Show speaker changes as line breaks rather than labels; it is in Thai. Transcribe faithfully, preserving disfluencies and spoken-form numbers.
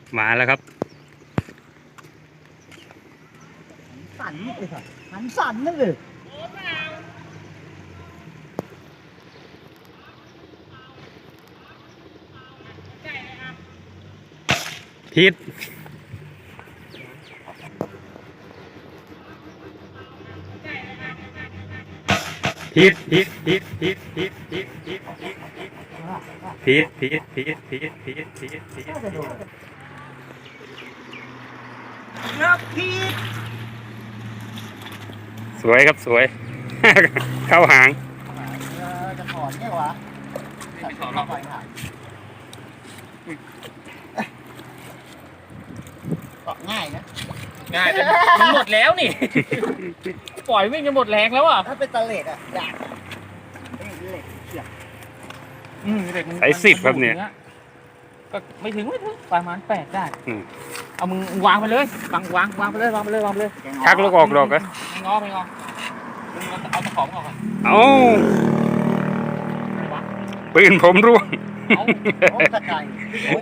มาแล้วครับ
สั่นเลยค่ะหันสั่นนั่นเลย
พิษพิษพิษพิษพิษพิษพิษพิษพิษพิษพิษพิษพิษพิษพิษ
ครับพี่
สวยครับสวย เข้าหาง
จะถอนเนี่ยวะไม่ถอนหรอกเกาะง่ายนะ
ง่ายแต่มันหมดแล้วนี่ ปล่อยวิ่งจะหมดแรงแล้วอ่ะ
ถ้าเป็นตะเล็ดอ่ะยากเป็นเหล็กเสียบ
อืมเด็กมัน
ใส่สิบครับเนี่ย
ก็ไม่ถึงไม่ถึงประมาณแปดได้
อืม
เอามึงวางไปเลยวางวางวางไปเลยวางไปเลยวางไปเลย
ชักลูกออกดอกเหรอ
ไม่งอไม่งอมึงเอาเอาตะขอมออกก่อน
เอา
ไม่วะ
ปืนผมร่วง
เอา
โอ้ตะไคร้